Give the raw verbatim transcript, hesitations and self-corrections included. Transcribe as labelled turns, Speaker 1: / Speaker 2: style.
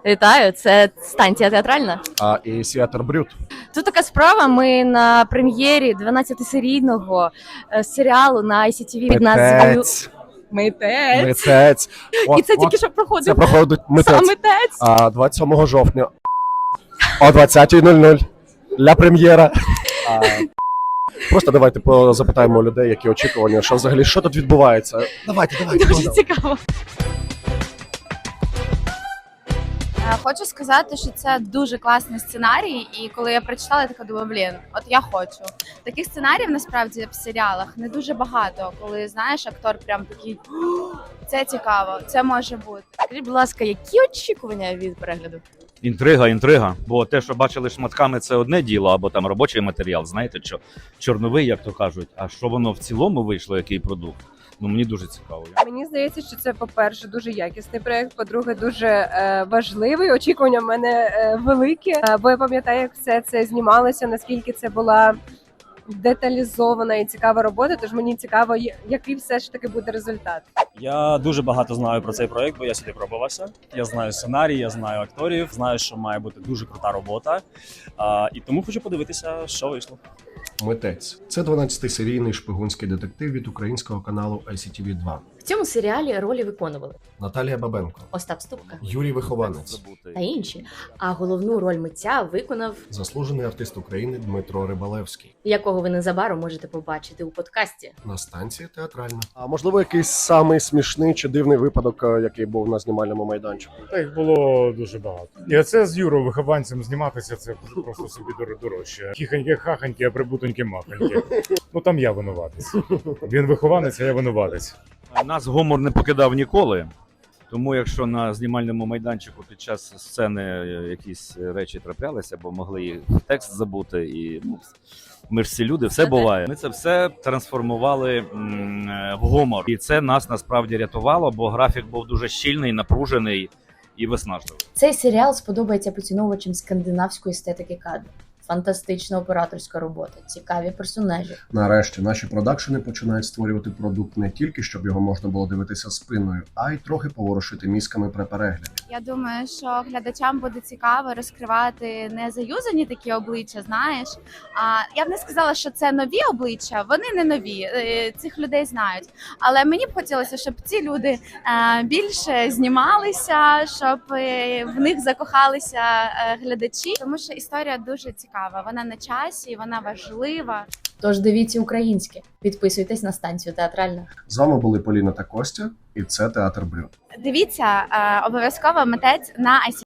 Speaker 1: Вітаю, це станція театральна.
Speaker 2: А і Сіатр Брюд.
Speaker 1: Тут така справа. Ми на прем'єрі дванадцятисерійного е, серіалу на ай сі ті ві під назвою
Speaker 2: Митець.
Speaker 1: Митець.
Speaker 2: Митець.
Speaker 1: І це
Speaker 2: От,
Speaker 1: тільки
Speaker 2: от,
Speaker 1: що проходить.
Speaker 2: Це проходить
Speaker 1: Сам
Speaker 2: митець.
Speaker 1: митець.
Speaker 2: А двадцять сьомого жовтня о двадцятій нуль нуль для прем'єра. А, Просто давайте запитаємо людей, які очікування, що взагалі, що тут відбувається. Давайте, давайте.
Speaker 1: Дуже
Speaker 2: давайте.
Speaker 1: цікаво.
Speaker 3: Хочу сказати, що це дуже класний сценарій, і коли я прочитала, я така думаю, блін, от я хочу. Таких сценаріїв насправді в серіалах не дуже багато, коли знаєш, актор прям такий, це цікаво, це може бути.
Speaker 1: Скажіть, будь ласка, які очікування від перегляду?
Speaker 4: Інтрига, інтрига. Бо те, що бачили шматками, це одне діло, або там робочий матеріал, знаєте, що чорновий, як то кажуть. А що воно в цілому вийшло, який продукт? Ну мені дуже цікаво.
Speaker 5: Мені здається, що це, по-перше, дуже якісний проєкт, по-друге, дуже е, важливий. Очікування в мене е, великі, е, бо я пам'ятаю, як все це знімалося, наскільки це була деталізована і цікава робота. Тож мені цікаво, я- який все ж таки буде результат.
Speaker 6: Я дуже багато знаю про цей проект, бо я сюди пробувався. Я знаю сценарій, я знаю акторів, знаю, що має бути дуже крута робота. А, і тому хочу подивитися, що вийшло.
Speaker 2: Митець. Це дванадцятисерійний шпигунський детектив від українського каналу ай сі ті ві два.
Speaker 7: В цьому серіалі ролі виконували
Speaker 2: Наталія Бабенко,
Speaker 7: Остап Ступка
Speaker 2: Юрій Вихованець,
Speaker 7: та інші. А головну роль митця виконав,
Speaker 2: заслужений артист України Дмитро Рибалевський.
Speaker 7: якого ви незабаром можете побачити у подкасті.
Speaker 2: На станції театральна. А можливо, якийсь самий смішний чи дивний випадок, е, який був на знімальному майданчику?
Speaker 8: Та їх було дуже багато. І оце з Юрою вихованцем зніматися, це просто собі дор- дорожче. Хіханьки-хаханьки, а прибутоньки-маханьки. Ну там я винуватець. Він вихованець, а я винуватець.
Speaker 4: Нас гумор не покидав ніколи. Тому якщо на знімальному майданчику під час сцени якісь речі траплялися, бо могли і текст забути, і ну, ми ж всі люди, все буває. Ми це все трансформували м, в гумор. І це нас насправді рятувало, бо графік був дуже щільний, напружений і виснажливий.
Speaker 7: Цей серіал сподобається поціновувачам скандинавської естетики кадру. Фантастична операторська робота, цікаві персонажі.
Speaker 2: Нарешті наші продакшени починають створювати продукт не тільки, щоб його можна було дивитися спиною, а й трохи поворушити мізками при перегляді.
Speaker 3: Я думаю, що глядачам буде цікаво розкривати не заюзані такі обличчя, знаєш. А я б не сказала, що це нові обличчя, вони не нові, е, цих людей знають. Але мені б хотілося, щоб ці люди е, більше знімалися, щоб е, в них закохалися е, глядачі, тому що історія дуже цікава. Вона на часі, вона важлива.
Speaker 7: Тож дивіться українське, підписуйтесь на станцію театральна.
Speaker 2: З вами були Поліна та Костя, і це Театр Брюд.
Speaker 3: Дивіться е, обов'язково митець на ай сі.